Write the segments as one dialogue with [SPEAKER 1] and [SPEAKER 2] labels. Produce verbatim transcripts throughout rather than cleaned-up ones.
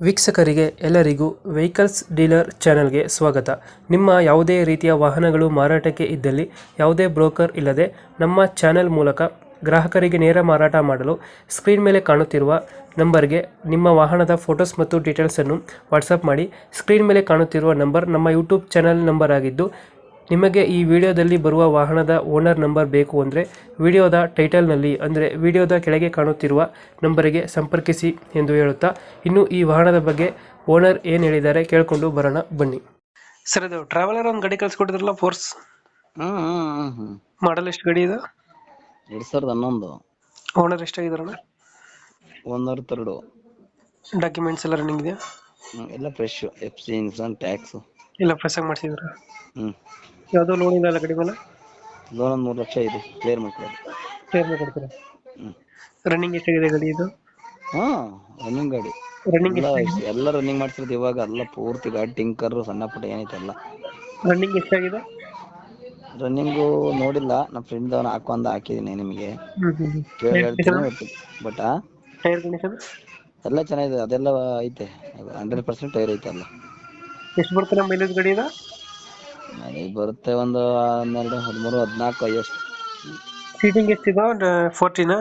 [SPEAKER 1] ವೀಕ್ಷಕರಿಗೆ ಎಲ್ಲರಿಗೂ vehicles dealer ಚಾನೆಲ್ಗೆ ಸ್ವಾಗತ. ನಿಮ್ಮ ಯಾವುದೇ ರೀತಿಯ ವಾಹನಗಳು ಮಾರಾಟಕ್ಕೆ ಇದ್ದಲ್ಲಿ ಯಾವುದೇ ಬ್ರೋಕರ್ ಇಲ್ಲದೆ ನಮ್ಮ ಚಾನೆಲ್ ಮೂಲಕ ಗ್ರಾಹಕರಿಗೆ ನೇರ ಮಾರಾಟ ಮಾಡಲು ಸ್ಕ್ರೀನ್ ಮೇಲೆ ಕಾಣುತ್ತಿರುವ ನಂಬರ್ಗೆ ನಿಮ್ಮ ವಾಹನದ ಫೋಟೋಸ್ ಮತ್ತು ಡೀಟೇಲ್ಸನ್ನು ವಾಟ್ಸಪ್ ಮಾಡಿ. ಸ್ಕ್ರೀನ್ ಮೇಲೆ ಕಾಣುತ್ತಿರುವ ನಂಬರ್ ನಮ್ಮ ಯೂಟ್ಯೂಬ್ ಚಾನೆಲ್ ನಂಬರ್ ಆಗಿದ್ದು, ನಿಮಗೆ ಈ ವಿಡಿಯೋದಲ್ಲಿ ಬರುವ ವಾಹನದ ಓನರ್ ನಂಬರ್ ಬೇಕು ಅಂದರೆ ವಿಡಿಯೋದ ಟೈಟಲ್ನಲ್ಲಿ ಅಂದರೆ ವಿಡಿಯೋದ ಕೆಳಗೆ ಕಾಣುತ್ತಿರುವ ನಂಬರಿಗೆ ಸಂಪರ್ಕಿಸಿ ಎಂದು ಹೇಳುತ್ತಾ, ಇನ್ನು ಈ ವಾಹನದ ಬಗ್ಗೆ ಓನರ್ ಏನು ಹೇಳಿದ್ದಾರೆ ಕೇಳಿಕೊಂಡು ಬರೋಣ ಬನ್ನಿ. ಸರ್, ಇದು ಟ್ರಾವೆಲರ್ ಒಂದು ಗಾಡಿ ಕಳಿಸ್ಕೊಟ್ಟಿದ್ರಲ್ಲ, ಫೋರ್ಸ್
[SPEAKER 2] ಹ್ಮ್ ಹ್ಮ್ ಹ್ಮ್
[SPEAKER 1] ಮಾಡಲ್ ಎಷ್ಟು ಗಾಡಿ ಇದು?
[SPEAKER 2] ಎರಡ್ ಸಾವಿರದ ಹನ್ನೊಂದು
[SPEAKER 1] ಓನರ್ ಎಷ್ಟಾಗಿದಾರಣ?
[SPEAKER 2] ಒಂದರ ತರಡು
[SPEAKER 1] ಡಾಕ್ಯುಮೆಂಟ್ಸ್ ಎಲ್ಲ ರನ್ನಿಂಗ್ ಇದೆಯಾ?
[SPEAKER 2] ಹ್ಮ್ ಎಲ್ಲ fresh. F C insurance tax
[SPEAKER 1] ಇಲ್ಲ ಫ್ರೆಶ್ ಆಗಿ ಮಾಡಿಸಿದ್ರ?
[SPEAKER 2] ಹ್ಮ್
[SPEAKER 1] ಯಾವುದೋ ಲೋನ್ ಇಲ್ಲ ಅಲ್ಲ ಗಾಡಿ ಮೇಲೆ?
[SPEAKER 2] ಲೋನ್ ಒಂದು ಮೂರು ಲಕ್ಷ ಇದೆ, ಕ್ಲಿಯರ್ ಮಾಡ್ಕೊಳ್ಳಿ.
[SPEAKER 1] ಕ್ಲಿಯರ್ ಕೊಡ್ತೀರಾ?
[SPEAKER 2] ಹ್ಮ್
[SPEAKER 1] ರನ್ನಿಂಗ್ ಎಷ್ಟಾಗಿದೆ ಗಾಡಿ ಇದು?
[SPEAKER 2] ಹಾ ರನ್ನಿಂಗ್ ಗಾಡಿ
[SPEAKER 1] ರನ್ನಿಂಗ್
[SPEAKER 2] ಎಲ್ಲ
[SPEAKER 1] ಎಷ್ಟಾಗಿದೆ?
[SPEAKER 2] ಎಲ್ಲ ರನ್ನಿಂಗ್ ಮಾಡ್ಸಿರೋದು ಇವಾಗ. ಎಲ್ಲ ಪೂರ್ತಿ ಗಾಡಿ ಟಿಂಕರ್ ಸಣ್ಣ ಪುಟ್ಟ ಏನೈತೆ ಎಲ್ಲ
[SPEAKER 1] ರನ್ನಿಂಗ್ ಎಷ್ಟಾಗಿದೆ?
[SPEAKER 2] ರನ್ನಿಂಗು ನೋಡಿಲ್ಲ, ನಮ್ಮ ಫ್ರೆಂಡ್ ಅವನು ಹಾಕೊಂಡ್ ಹಾಕಿದೀನಿ ನಿಮಗೆ
[SPEAKER 1] ಹ್ಮ್ ಹ್ಮ್
[SPEAKER 2] ಕೇಳಿ ಹೇಳ್ತೀನಿ.
[SPEAKER 1] Hmm
[SPEAKER 2] but but
[SPEAKER 1] tyre condition
[SPEAKER 2] ಎಲ್ಲ ಚೆನ್ನಾಗಿದೆ, ಅದೆಲ್ಲ ಐತೆ. ಹಂಡ್ರೆಡ್ ಪರ್ಸೆಂಟ್ ಟೈರ್ ಐತೆ ಎಲ್ಲ.
[SPEAKER 1] ಎಷ್ಟು ಬರ್ತದೆ ಮೈಲೇಜ್ ಗಾಡಿ ಇದು?
[SPEAKER 2] ಮನೆಗೆ ಬರುತ್ತೆ ಒಂದು ಹನ್ನೆರಡು ಹದಿಮೂರು ಹದಿನಾಲ್ಕು ಎಷ್ಟು.
[SPEAKER 1] ಸೀಟಿಂಗ್ ಎಷ್ಟಿದೆ? ಫೋರ್ಟೀನಾ?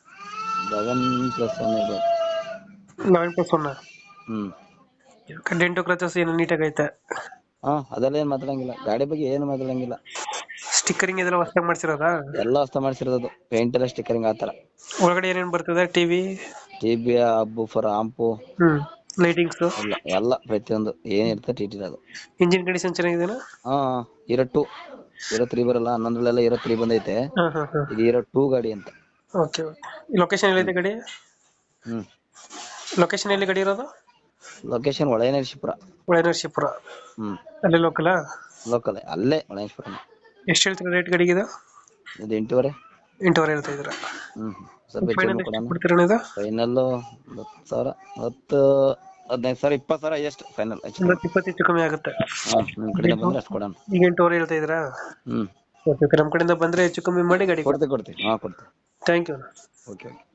[SPEAKER 2] ಲೆವೆನ್ ಪ್ಲಸ್ ಒನ್ ಇದೆ.
[SPEAKER 1] Eleven plus one.
[SPEAKER 2] Hmm
[SPEAKER 1] dent scratches ಏನು ನೀಟಾಗಿ ಐತೆ?
[SPEAKER 2] ಹಾ ಅದೆಲ್ಲ ಏನ್ ಮಾತಾಡಂಗಿಲ್ಲ, ಗಾಡಿ ಬಗ್ಗೆ ಏನು ಮಾತಾಡಂಗಿಲ್ಲ.
[SPEAKER 1] ಸ್ಟಿಕ್ಕರಿಂಗ್ ಇದೆಲ್ಲ ಹೊಸದಾಗಿ ಮಾಡ್ಸಿರೋದಾ?
[SPEAKER 2] ಎಲ್ಲ ಹೊಸ ಮಾಡ್ಸಿರೋದು, ಪೇಂಟ್ ಎಲ್ಲ ಸ್ಟಿಕ್ಕರಿಂಗ್ ಆತರ.
[SPEAKER 1] ಒಳಗಡೆ ಏನೇನು ಬರ್ತದೆ? ಟಿವಿ,
[SPEAKER 2] ಟಿಬಿ, ಹಬ್ಬು ಫರ್ ಆಂಪು,
[SPEAKER 1] ಹ್ಮ್ ಲೈಟಿಂಗ್ಸ್
[SPEAKER 2] ಎಲ್ಲ ಎಲ್ಲ ಪ್ರತಿಯೊಂದು ಏನ್ ಇರ್ತದೆ ಟಿ ಟಿ ಅದು.
[SPEAKER 1] ಇಂಜಿನ್ ಕಂಡೀಷನ್ ಚೆನ್ನಾಗಿದೆನಾ?
[SPEAKER 2] ಹಾ ಇರೋ ಟೂ ಇರೋ ತ್ರೀ ಬರಲ್ಲ, ಹನ್ನೊಂದ್ರಲ್ಲೆಲ್ಲ ಇರೋ ತ್ರೀ ಬಂದೈತೆ.
[SPEAKER 1] ಹಾ ಹಾ ಹಾ
[SPEAKER 2] ಇದು ಇರೋ ಟೂ ಗಾಡಿ ಅಂತ.
[SPEAKER 1] Okay okay. ಲೊಕೇಶನ್ ಎಲ್ಲಿದೆ ಗಾಡಿ?
[SPEAKER 2] ಹ್ಮ್
[SPEAKER 1] ಲೊಕೇಶನ್ ಎಲ್ಲಿ ಗಾಡಿ ಇರೋದು?
[SPEAKER 2] ಲೊಕೇಶನ್ ಒಳಯನರಸೀಪುರ.
[SPEAKER 1] ಒಳನರಸೀಪುರ
[SPEAKER 2] ಹ್ಮ್
[SPEAKER 1] ಅಲ್ಲಿ ಲೋಕಲಾ?
[SPEAKER 2] ಲೋಕಲ್ ಅಲ್ಲೇ ಒಳಯನರಸೀಪುರ.
[SPEAKER 1] ಎಷ್ಟು ಹೇಳ್ತೀರಾ ರೇಟ್ ಗಾಡಿಗೆ ಇದು?
[SPEAKER 2] ಇದು ಎಂಟೂವರೆ.
[SPEAKER 1] ಎಂಟೂವರೆ ಹೇಳ್ತಾ ಇದ್ದೀರಾ?
[SPEAKER 2] ಹ್ಮ್ ಸ್ವಲ್ಪ ಹೆಚ್ಚು
[SPEAKER 1] ಫೈನಲ್
[SPEAKER 2] ಕಮ್ಮಿ
[SPEAKER 1] ಎಷ್ಟು
[SPEAKER 2] ಕೊಡೋಣ.
[SPEAKER 1] ಕೊಡ್ತೀರಾ ಇದು?
[SPEAKER 2] ಫೈನಲ್ ಹತ್ತು ಸಾವಿರ, ಹತ್ತು ಹದಿನೈದು ಸಾವಿರ, ಇಪ್ಪತ್ತು ಸಾವಿರ ಎಷ್ಟು ಫೈನಲ್ ಹೆಚ್ಚು
[SPEAKER 1] ಒಂದು
[SPEAKER 2] ಕಮ್ಮಿ.
[SPEAKER 1] ಇಪ್ಪತ್ತು ಹೆಚ್ಚು ಕಮ್ಮಿ ಆಗುತ್ತೆ.
[SPEAKER 2] ಹ್ಮ್ ನಿಮ್ ಕಡೆಯಿಂದ ಬಂದ್ರೆ ಅಷ್ಟು ಕೊಡೋಣ.
[SPEAKER 1] ಈಗ ಎಂಟೂವರೆ ಹೇಳ್ತಾ ಇದ್ದೀರಾ?
[SPEAKER 2] Hmm
[SPEAKER 1] okay okay. ನಮ್ಮ ಕಡೆಯಿಂದ ಬಂದ್ರೆ ಹೆಚ್ಚು ಕಮ್ಮಿ ಮಾಡಿ ಗಾಡಿ ಕೊಡಿ.
[SPEAKER 2] ಕೊಡ್ತೀವಿ ಕೊಡ್ತೀವಿ ಹಾ ಕೊಡ್ತೀವಿ.
[SPEAKER 1] Thank you.
[SPEAKER 2] Okay okay.